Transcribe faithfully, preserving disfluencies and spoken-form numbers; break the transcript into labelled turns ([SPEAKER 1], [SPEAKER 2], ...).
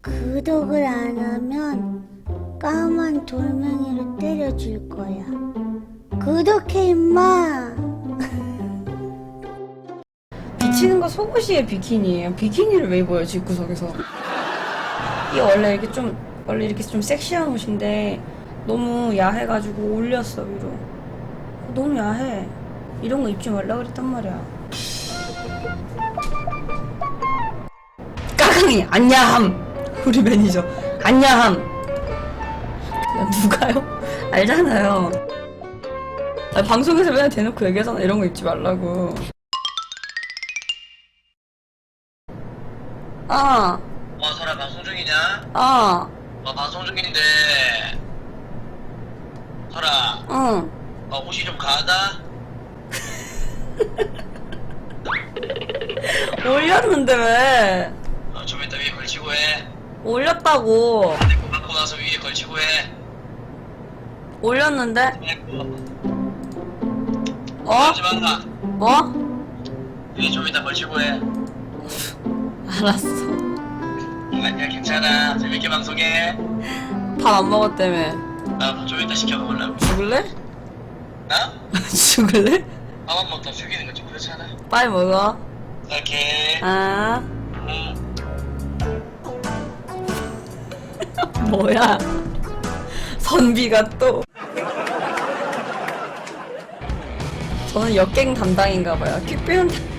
[SPEAKER 1] 구독을 안 하면 까만 돌멩이로 때려줄 거야. 구독해 임마.
[SPEAKER 2] 비치는 거 속옷이에요, 비키니예요. 비키니를 왜 입어요, 집구석에서? 이게 원래 이렇게 좀 원래 이렇게 좀 섹시한 옷인데 너무 야해가지고 올렸어 위로. 너무 야해. 이런 거 입지 말라 그랬단 말이야. 까강이 안냐함. 우리 매니저 안냐함. 야, 누가요? 알잖아요. 아, 방송에서 맨날 대놓고 얘기하잖아. 이런 거 입지 말라고. 아,
[SPEAKER 3] 어, 설아 방송 중이냐?
[SPEAKER 2] 아,
[SPEAKER 3] 어, 방송 중인데. 설아,
[SPEAKER 2] 응.
[SPEAKER 3] 어, 옷이 좀 가하다?
[SPEAKER 2] 올렸는데 왜?
[SPEAKER 3] 어, 좀 이따 위에 걸치고 해.
[SPEAKER 2] 올렸다고.
[SPEAKER 3] 내거 갖고 나서 위에 걸치고 해.
[SPEAKER 2] 올렸는데? 어?
[SPEAKER 3] 하지 마라.
[SPEAKER 2] 어?
[SPEAKER 3] 위에 좀 이따 걸치고 해.
[SPEAKER 2] 알았어.
[SPEAKER 3] 아니야, 괜찮아. 재밌게 방송해.
[SPEAKER 2] 밥 안 먹었다며.
[SPEAKER 3] 나 좀 이따 시켜 먹으려고.
[SPEAKER 2] 죽을래?
[SPEAKER 3] 나?
[SPEAKER 2] 죽을래?
[SPEAKER 3] 밥안 먹다 죽이는 거 좀 그렇잖아.
[SPEAKER 2] 빨리 먹어.
[SPEAKER 3] 오케이.
[SPEAKER 2] 아.
[SPEAKER 3] 응.
[SPEAKER 2] 뭐야? 선비가 또. 저는 역갱 담당인가봐요. 퀵배운